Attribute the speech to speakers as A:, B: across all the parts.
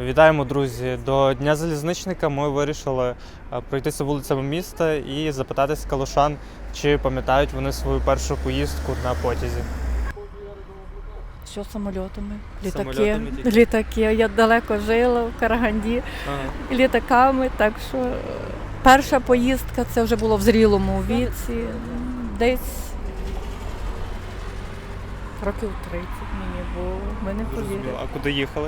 A: Вітаємо, друзі! До Дня залізничника ми вирішили пройтися вулицями міста і запитатись калушан, чи пам'ятають вони свою першу поїздку на потязі.
B: Що самольотами?
A: Самольотами тільки?
B: Літаки. Я далеко жила в Караганді літаками, так що перша поїздка це вже було в зрілому віці, десь років 30 мені було, ми не повірили.
A: А куди їхали?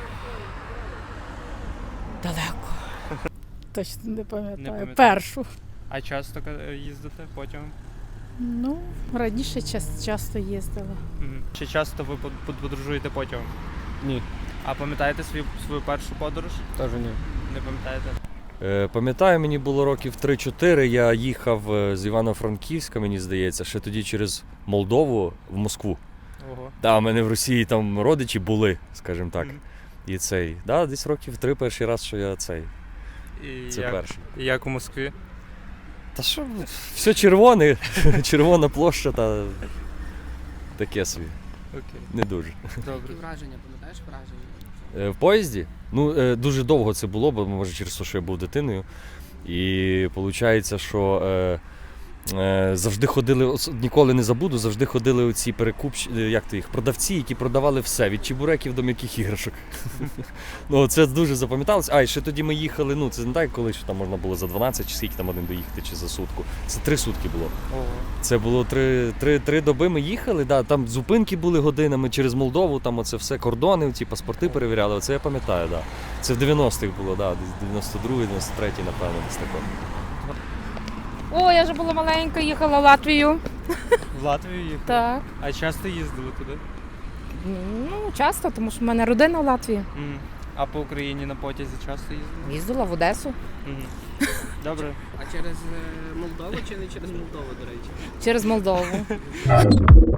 B: Далеко. Точно не
A: Не
B: пам'ятаю.
A: пам'ятаю.
B: Першу.
A: А часто їздите потягом?
B: Ну, раніше часто їздила.
A: Чи часто ви подорожуєте потягом?
C: Ні.
A: А пам'ятаєте свою першу подорож?
C: Теж ні.
A: Не пам'ятаєте?
C: Пам'ятаю, мені було років 3-4, я їхав з Івано-Франківська, мені здається, ще тоді через Молдову в Москву.
A: Ого.
C: Да, у мене в Росії там родичі були, скажімо так. І цей, да, десь років 3 перший раз, що я цей.
A: І
C: Це перший.
A: як у Москві?
C: Та що, все червоне, червона площа та таке собі.
A: Окей.
C: Не дуже.
A: Добре.
D: Які враження, пам'ятаєш враження?
C: В поїзді? Ну, дуже довго це було, бо може через те, що я був дитиною. І виходить, що завжди ходили, ніколи не забуду, завжди ходили оці продавці, які продавали все, від чебуреків до м'яких іграшок. Ну, це дуже запам'яталося. А, і ще тоді ми їхали, ну, це не так, коли що там можна було за 12, чи скільки там один доїхати, чи за сутку. Це 3 сутки було.
A: Ого.
C: Це було 3 доби ми їхали, да, там зупинки були годинами через Молдову, там оце все, кордони, ці паспорти перевіряли, оце я пам'ятаю, да. Це в 90-х було, да, десь 92-й, 93-й, напевно, десь тако.
E: О, я вже була маленька, їхала в Латвію.
A: В Латвію їхали?
E: Так.
A: А часто їздили туди?
E: Ну, часто, тому що в мене родина в Латвії.
A: А по Україні на потязі часто їздили?
E: Їздила в Одесу
A: Добре.
D: А через Молдову чи не через Молдову, до речі?
E: через Молдову.